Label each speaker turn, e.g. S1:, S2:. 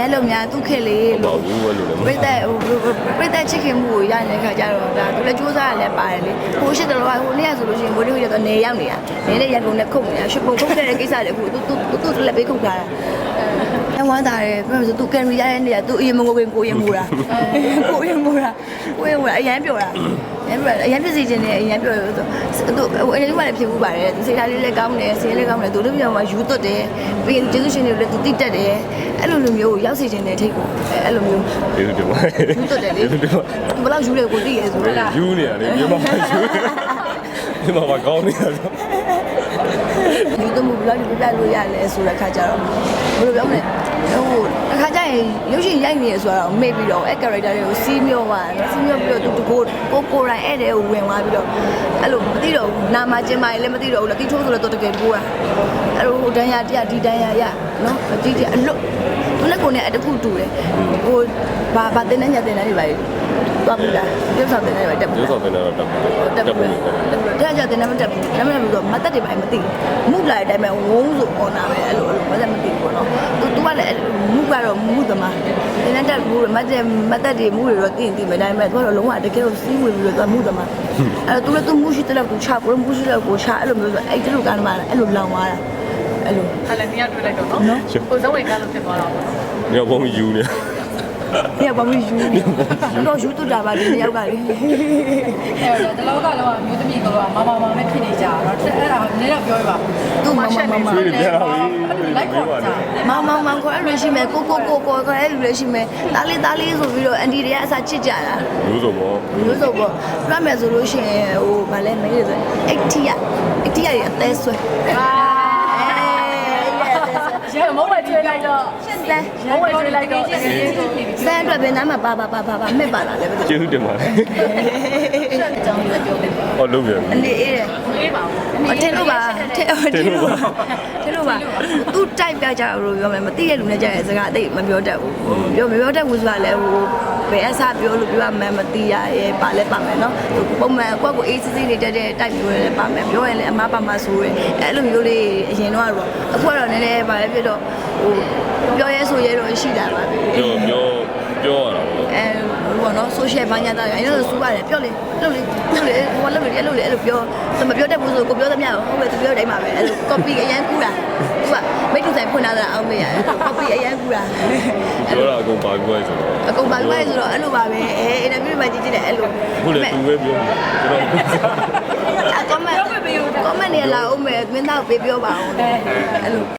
S1: ရဲလုံများသူ့ခေလေးလို့ပြိသက်ချစ်ခင်မှုကိုရနေတဲ့ခါကျတော့ဒါသူလည်းစူးစမ်းရလဲပါတယ်လေဟိုရှိတယ်လို့ဟိုနေ့ကဆိုလို့ရှိရင်ဘိုးလေးကတော့နေရောက်နေတာနေနဲ့ရန်ကုန်နဲ့ခုတ်နေတာရှစ်ပုံခုတ်ခဲ့တဲ့ကိစ္စတွေအခုသူလည်းပေးခုတ်ထားတာအဝမ်းသာတယ်ပြောဆိုသူကန်ရီရတဲ့နေရာသူအရင်မကိုကိုရင်မူတာကိုရင်မူတာအရန်ပြောတာအရန်ဖြစ်စီခြင်းနဲ့အရန်ပြောလို့သူအဲ့ဒီကလည်းဖြစ်ဘူးပါတယ်သူစိတ်ထားလေးလည်းကောင်းတယ်စိတ်လေးကောင်းတယ်သူတို့ပြောမှာယူသွတ်တယ်ပြီးရင်ကျေးဇူးရှင်တွေလည်းသူတိတက်တယ်အဲ့လိုလိုမျိုးရောက်စီခြင်းနဲ့ထိတ်ကိုအဲ့လိုမျိုး
S2: ကျေးဇူးတင်ပါတယ်
S1: ယူသွတ်တယ်လေဘယ်လောက်ယူလဲကိုသိရဲဆိုတော့
S2: ယူနေရတယ်မြန်မာမှာယူမြန်မာမှာကောင်းနေတာဆို
S1: ယူသွတ်မှုဘယ်လောက်ပြပြလို့ရလဲဆိုတဲ့ခါကျတော့ဘယ်လိုပြောမလဲဟိုအခါကျရင်ရုပ်ရှင်ရိုက်နေရဆိုတော့မေ့ပြီးတော့အဲ့ character တွေကိုစီးမျောသွားတယ်စီးမျောပြီးတော့သူကိုရိုင်းအဲ့တဲ့ကိုဝင်သွားပြီးတော့အဲ့လိုမသိတော့ဘူးနာမကျင်ပါရင်လည်းမသိတော့ဘူးလေတီထိုးဆိုတော့တကယ်ကိုတာအဲ့လိုဟိုတန်းရတရားဒီတန်းရရနော်အကြီးကြီးအလွတ်သူလည်းကိုနဲ့အတခုတူတယ်ဟိုဘာတင်နေညတင်နေတွေပါလေတော့ဘူးလားရုပ်ဆောင်တင်နေတွေတက်ဘူး
S2: ရုပ်ဆောင်တင်နေတော့တက်ဘူး
S1: တဲ့ကြတင်နေမတက်ဘူးဒါမှမဟုတ်မတက်တယ်ပါမသိမှုလာတဲ့အတိုင်းပဲဝုန်းဆိုပေါ်လာပဲအဲ့လိုမတက်မသိဘူးပေါ့နော်သူကလည်းမှုကတော့မှုသမားတင်နေတက်ဘူးမတက်တွေမှုတွေတော့သိမယ်ဒါပေမဲ့သူကတော့လုံးဝတကယ်ကိုစီးဝင်ပြီးတော့မှုသမားအဲ့တော့သူလည်းသူမှုရှိတဲ့လောက်သူချကိုမှုရှိတဲ့လောက်ကိုချအဲ့လိုမျိုးဆိုအဲ့ဒီလိုကမ်းမှာအဲ့လိုလောင်သွားတာအဲ့လို
S3: ခါလည်းနေရာတွေ့လိုက်တော့နော်ကိုဇောဝင်ကားလို့ဖြစ်သွားတာပေါ့
S2: ညောဘုံယူနေ
S1: ညဘာမယူတော့ယူတူတာပါဒီယောက်ကလေ
S3: အဲ့တော့တလောကလောကမျိုးသမီးကတော့မမပဲဖြစ်နေကြတော့အဲ့ဒါနည်းတော့ပြောရပါ
S1: သူမ
S2: ဆွေးနေပြန်လာပြီ
S3: လိုက်ခေါ်ကြ
S1: မောင်ခေါ်အဲ့လိုရှိမယ်ကိုခေါ်အဲ့လိုလည်းရှိမယ်တားလေးဆိုပြီးတော့အန်တီတွေကအစားချစ်ကြတာ
S2: လို့ဆိုပေါ့
S1: ပြမယ်ဆိုလို့ရှိရင်ဟိုဗာလဲမင်းတွေဆို80ရအသေးဆွဲ
S3: ရမုန်းလိုက်ကျွေးလိုက်တော့ရှင်းတယ်မုန်းလိုက်ကျွေးလိုက်တော့
S1: စမ်းအတွက်ပဲနားမှာပါမဲ့ပါလာလဲပဲ
S2: ကျေးဇူးတင်ပါတယ်
S3: အကြောင်းလည်းပြောတယ်
S2: ဟောလုပ်ပြန်
S1: အနေအေးတယ်
S3: အေးပါ
S1: ဘူးထင်လို့ပါသူတိုက်ပြကြလို့ပြောမယ်မသိတဲ့လူနဲ့ကြတဲ့စကားအသိမပြောတတ်ဘူးမပြောတတ်ဘူးဆိုတာလည်းဟိုဘယ်အစားပြောလို့ပြောမှမသိရရဲ့ပါလဲပါမယ်နော်ပုံမှန်ကိုယ့်ကိုအေးစစ်စစ်နေတတ်တဲ့တိုက်မျိုးလည်းပါမယ်ပြောရင်လည်းအမားပါမဆိုးရဲအဲ့လိုမျိုးလေးအရင်တော့အခုကတော့နည်းနည်းပါလဲဖြစ်တော့ဟိုပြောရဲဆိုရဲတော့ရှိတာပါပဲ
S2: ပြောရတာ
S1: ပေါ့ဘောနော် social ဘာညာတာအဲ့လိုစူးရတယ်ပြောလေဟိုလုပ်လေအဲ့လိုပြောမပြောတတ်ဘူးဆိုကိုပြောသမျှဟုတ်ပဲသူပြောတိုင်းပါပဲအဲ့လို copy အရန်ကူတာသူကမိတ်တူဆိုင်ဖွင့်လာတာအောင်မေးရတယ် copy အရန်ကူတာ
S2: ပြောတာအကုန်ပါပြီးဆိုတော့
S1: အကုန်ပါပြီးဆိုတော့အဲ့လိုပါပဲအင်တာဗျူးမှာကြည့်တယ်အဲ့လို
S2: ခုလည်းသူပဲပြောကျွန်တော်
S1: comment နေလာအောင်မယ်မင်းသားကိုပေးပြောပါအောင်အဲ့လို